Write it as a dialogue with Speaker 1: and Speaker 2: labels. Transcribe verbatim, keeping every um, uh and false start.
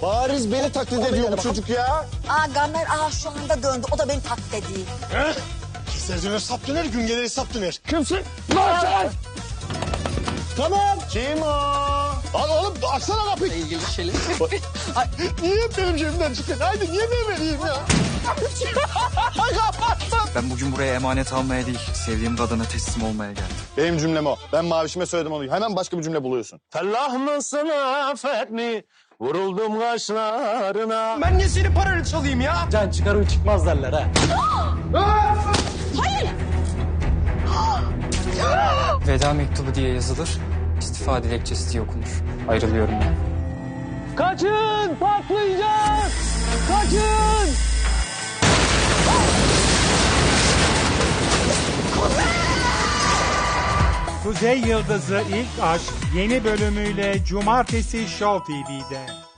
Speaker 1: Bariz beni taklit ediyor bu çocuk ya.
Speaker 2: Aa Gamer aa şu anda döndü. O da beni taklit ediyor.
Speaker 1: He? Keser döner sap döner, gün gelir sap döner. Kimsin? Lan sen! Tamam. Kim o? Al oğlum açsana kapıyı.
Speaker 3: İlgili şeyler.
Speaker 1: Ay, niye benim cebimden çıkıyor? Haydi niye ben vereyim ya?
Speaker 4: Ben bugün buraya emanet almaya değil, sevdiğim kadına teslim olmaya geldim.
Speaker 1: Benim cümlem o. Ben mavişime söyledim onu. Hemen başka bir cümle buluyorsun. Fellah mısın affet mi? Vuruldum kaşlarına.
Speaker 3: Ben niye senin paranı çalayım ya?
Speaker 5: Can çıkarın çıkmaz derler ha.
Speaker 4: Veda mektubu diye yazılır, istifa dilekçesi diye okunur. Ayrılıyorum ben.
Speaker 5: Kaçın patlayacak. Kaçın.
Speaker 6: Kuzey Yıldızı İlk Aşk yeni bölümüyle Cumartesi Show T V'de.